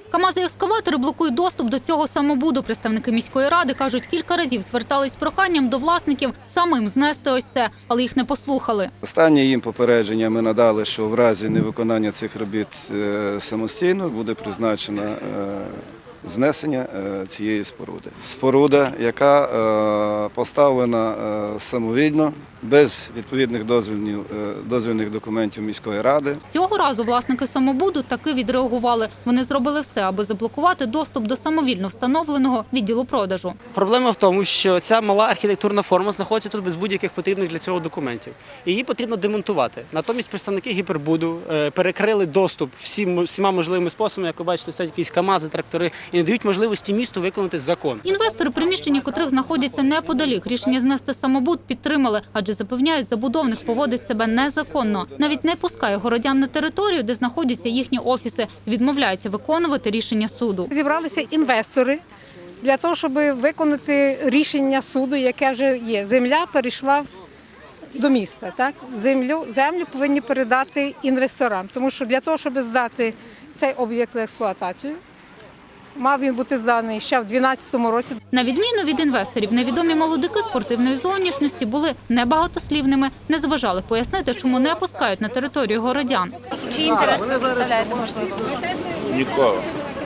КАМАЗи і екскаватори блокують доступ до цього самобуду. Представники міської ради кажуть, кілька разів звертались з проханням до власників самим знести ось це, але їх не послухали. Останнє їм попередження ми надали, що в разі невиконання цих робіт самостійно буде призначено знесення цієї споруди. Споруда, яка поставлена самовільно, без відповідних дозвільних документів міської ради. Цього разу власники самобуду таки відреагували. Вони зробили все, аби заблокувати доступ до самовільно встановленого відділу продажу. Проблема в тому, що ця мала архітектурна форма знаходиться тут без будь-яких потрібних для цього документів. Її потрібно демонтувати. Натомість представники гіпербуду перекрили доступ всіма можливими способами. Як ви бачите, стоять якісь КАМАЗи, трактори і не дають можливості місту виконати закон. Інвестори, приміщення котрих знаходяться неподалік, рішення знести самобуд підтримали, адже запевняють, забудовник поводить себе незаконно. Навіть не пускає городян на територію, де знаходяться їхні офіси, і відмовляється виконувати рішення суду. Зібралися інвестори для того, щоб виконати рішення суду, яке вже є. Земля перейшла до міста. Так? Землю повинні передати інвесторам, тому що для того, щоб здати цей об'єкт в експлуатацію, мав він бути зданий ще в 2012 році. На відміну від інвесторів, невідомі молодики спортивної зовнішності були небагатослівними, не зважали пояснити, чому не пускають на територію городян. Чиї інтереси ви представляєте, можливо? Нікого.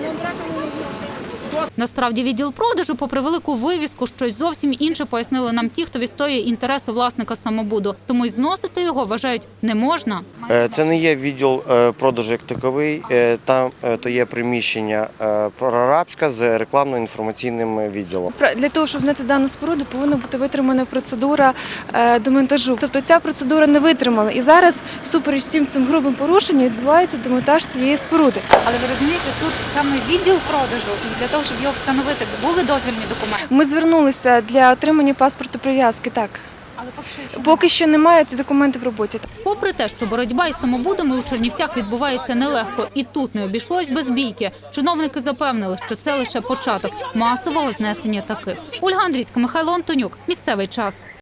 Насправді відділ продажу, попри велику вивіску, щось зовсім інше пояснили нам ті, хто відстоює інтереси власника самобуду. Тому й зносити його, вважають, не можна. Це не є відділ продажу як таковий, там то є приміщення прорабське з рекламно-інформаційним відділом. Для того, щоб зняти дану споруду, повинна бути витримана процедура демонтажу. Тобто ця процедура не витримала. І зараз, всупереч всім цим грубим порушенням, відбувається демонтаж цієї споруди. Але ви розумієте, тут саме відділ продажу, і для того, щоб його встановити, були дозвільні документи? Ми звернулися для отримання паспорту прив'язки, так. Але Поки що немає, ці документи в роботі. Попри те, що боротьба із самобудами у Чернівцях відбувається нелегко, і тут не обійшлось без бійки. Чиновники запевнили, що це лише початок масового знесення таких. Ольга Андрійська, Михайло Антонюк. Місцевий час.